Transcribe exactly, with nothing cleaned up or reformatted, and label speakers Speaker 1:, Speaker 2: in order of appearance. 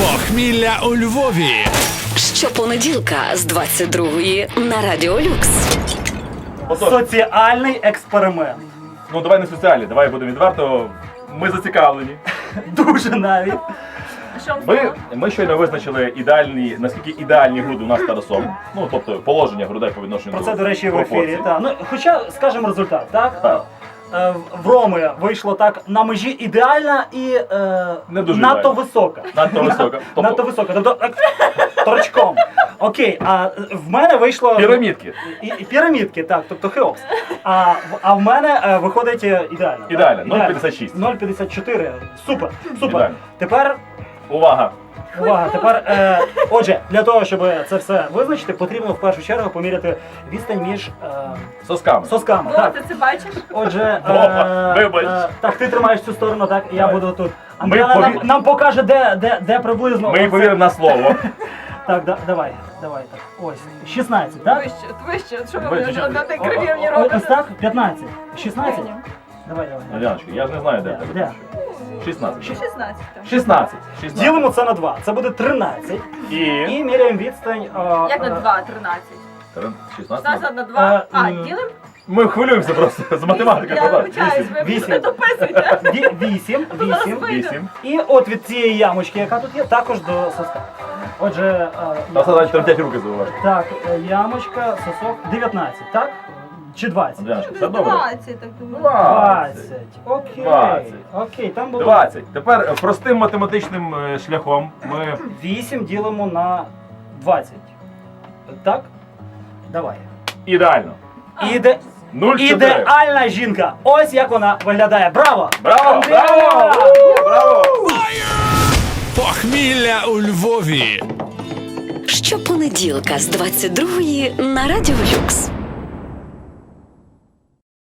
Speaker 1: Похмілля у Львові.
Speaker 2: Щопонеділка з двадцять другої на Радіо Люкс.
Speaker 3: Соціальний експеримент.
Speaker 4: Ну давай не соціальні, давай будемо відверто. Ми зацікавлені.
Speaker 3: Дуже навіть.
Speaker 4: Ми, ми щойно визначили ідеальні, наскільки ідеальні груди у нас з Тарасом. Ну, тобто положення грудей по відношенню
Speaker 3: Про
Speaker 4: до
Speaker 3: це, до речі, в
Speaker 4: пропорцій.
Speaker 3: ефірі. Та. Ну, хоча, скажемо результат, так?
Speaker 4: Так.
Speaker 3: Е, В Роми вийшло так на межі ідеальна і е,
Speaker 4: Не дуже
Speaker 3: надто
Speaker 4: ідеально.
Speaker 3: висока.
Speaker 4: Надто висока. Тобто-
Speaker 3: Надто висока. Тобто так, торчком. Окей, а в мене вийшло...
Speaker 4: Пірамідки.
Speaker 3: І, і пірамідки, так, тобто Хеопс. А, в- а в мене е, виходить е, ідеально. так?
Speaker 4: Ідеально, нуль п'ятдесят шість.
Speaker 3: нуль п'ятдесят чотири. Супер, супер.
Speaker 4: Ідеально.
Speaker 3: Тепер,
Speaker 4: Увага!
Speaker 3: увага, тепер, е, отже, для того, щоб це все визначити, потрібно в першу чергу поміряти відстань між е,
Speaker 4: Сосками.
Speaker 3: сосками.
Speaker 5: О,
Speaker 3: Так.
Speaker 5: ти це бачиш?
Speaker 3: Отже,
Speaker 4: Вова, вибач.
Speaker 3: е, так, ти тримаєш цю сторону, так, я
Speaker 4: Давай.
Speaker 3: буду тут.
Speaker 4: Ми
Speaker 3: Андріана нам,
Speaker 4: пові-
Speaker 3: нам покаже, де, де, де приблизно.
Speaker 4: Ми
Speaker 3: оце.
Speaker 4: повіримо на слово.
Speaker 3: Так, да, давай, давай, так. Ось, шістнадцять, так?
Speaker 5: Вище, вище, що ви
Speaker 4: Вище.
Speaker 5: на тій
Speaker 3: О,
Speaker 5: криві мені
Speaker 3: о, о, Ось
Speaker 5: робите?
Speaker 3: так? п'ятнадцять. шістнадцять? Давай, давай.
Speaker 4: Надяночка, я ж не знаю, де
Speaker 3: Де?
Speaker 4: тебе.
Speaker 3: Де?
Speaker 4: шістнадцять.
Speaker 5: шістнадцять там.
Speaker 4: шістнадцять. шістнадцять.
Speaker 3: Ділимо це на два. Це буде тринадцять.
Speaker 4: І...
Speaker 3: І міряємо відстань. а,
Speaker 5: Як на
Speaker 3: а,
Speaker 5: два, тринадцять.
Speaker 4: шістнадцять.
Speaker 5: шістнадцять на два. А,
Speaker 3: м.
Speaker 5: ділим?
Speaker 4: Ми хвилюємося просто з математики.
Speaker 5: Я вибачаюсь, ви
Speaker 3: Вісім.
Speaker 5: не дописуйте.
Speaker 3: ві- Вісім, вісім.
Speaker 4: Вісім.
Speaker 3: І от від цієї ямочки, яка тут є, також до соска. Отже, а,
Speaker 4: Та все
Speaker 3: ямочка.
Speaker 4: тремтять руки зауважити.
Speaker 3: Так, е, ямочка, сосок, дев'ятнадцять, так? Чи двадцять?
Speaker 4: Надяночка, все добре?
Speaker 5: двадцять, так думаю.
Speaker 3: двадцять. Окей.
Speaker 4: двадцять.
Speaker 3: Окей, там було
Speaker 4: двадцять. Тепер е, простим математичним е, шляхом ми...
Speaker 3: вісім ділимо на двадцять. Так? Давай.
Speaker 4: Ідеально.
Speaker 3: Іде...
Speaker 4: нуль чотири.
Speaker 3: Ідеальна жінка. Ось як вона виглядає. Браво!
Speaker 4: Браво!
Speaker 3: Андріана!
Speaker 4: Браво! Браво!
Speaker 1: Похмілля у Львові.
Speaker 2: Щопонеділка з двадцять другої на Радіо Люкс.